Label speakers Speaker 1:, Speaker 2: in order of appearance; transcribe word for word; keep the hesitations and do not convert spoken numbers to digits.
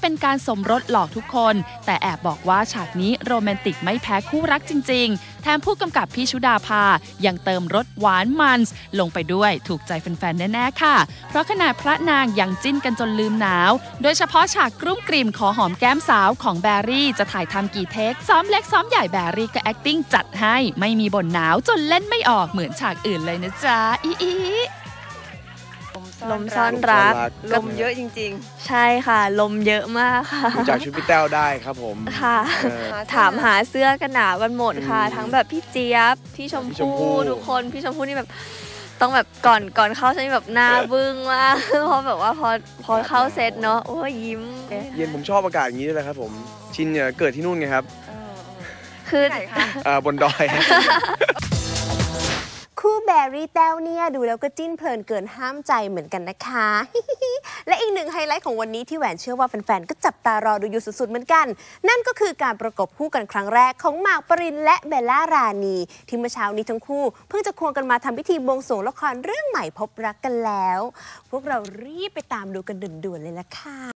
Speaker 1: เป็นการสมรสหลอกทุกคนแต่แอบบอกว่าฉากนี้โรแมนติกไม่แพ้คู่รักจริงๆแถมผู้กำกับพี่ชุดาภายังเติมรสหวานมันลงไปด้วยถูกใจแฟนๆแน่ๆค่ะเพราะขนาดพระนางยังจิ้นกันจนลืมหนาวโดยเฉพาะฉากกลุ้มกลิ่มขอหอมแก้มสาวของแบรี่จะถ่ายทำกี่เทคซ้อมเล็กซ้อมใหญ่แบรี่ก็ acting จัดให้ไม่มีบ่นหนาวจนเล่นไม่ออกเหมือนฉากอื่นเลยนะจ๊ะอีอี
Speaker 2: ลมซ่อนรัก
Speaker 3: ลมเยอะจริง
Speaker 2: ๆใช่ค่ะลมเยอะมากค่ะ
Speaker 3: จากชุดพี่แต้วได้ครับผม
Speaker 2: ค่ะถามหาเสื้อกันหนาวกันหมดค่ะทั้งแบบพี่เจี๊ยบพี่ชมพู่ทุกคนพี่ชมพู่นี่แบบต้องแบบก่อนก่อนเข้าฉันแบบหน้าบึ้งมากเพราะแบบว่าพอพอเข้าเซตเนาะโอ้ยยิ้ม
Speaker 3: เย็นผมชอบอากาศอย่างนี้ด้วยนะครับผมชินเนี่ยเกิดที่นู่นไงครับ
Speaker 2: คือ
Speaker 3: ไหนคะบนดอย
Speaker 4: คู่แบรี่แต้วเนี่ยดูแล้วก็จิ้นเพลินเกินห้ามใจเหมือนกันนะคะ และอีกหนึ่งไฮไลท์ของวันนี้ที่แหวนเชื่อว่าแฟนๆก็จับตารอดูอยู่สุดๆเหมือนกันนั่นก็คือการประกบคู่กันครั้งแรกของหมากปรินและเบลล่ารานีที่เมื่อเช้านี้ทั้งคู่เพิ่งจะควงกันมาทำพิธีบวงสรวงละครเรื่องใหม่พบรักกันแล้วพวกเรารีบไปตามดูกันด่วนๆเลยละค่ะ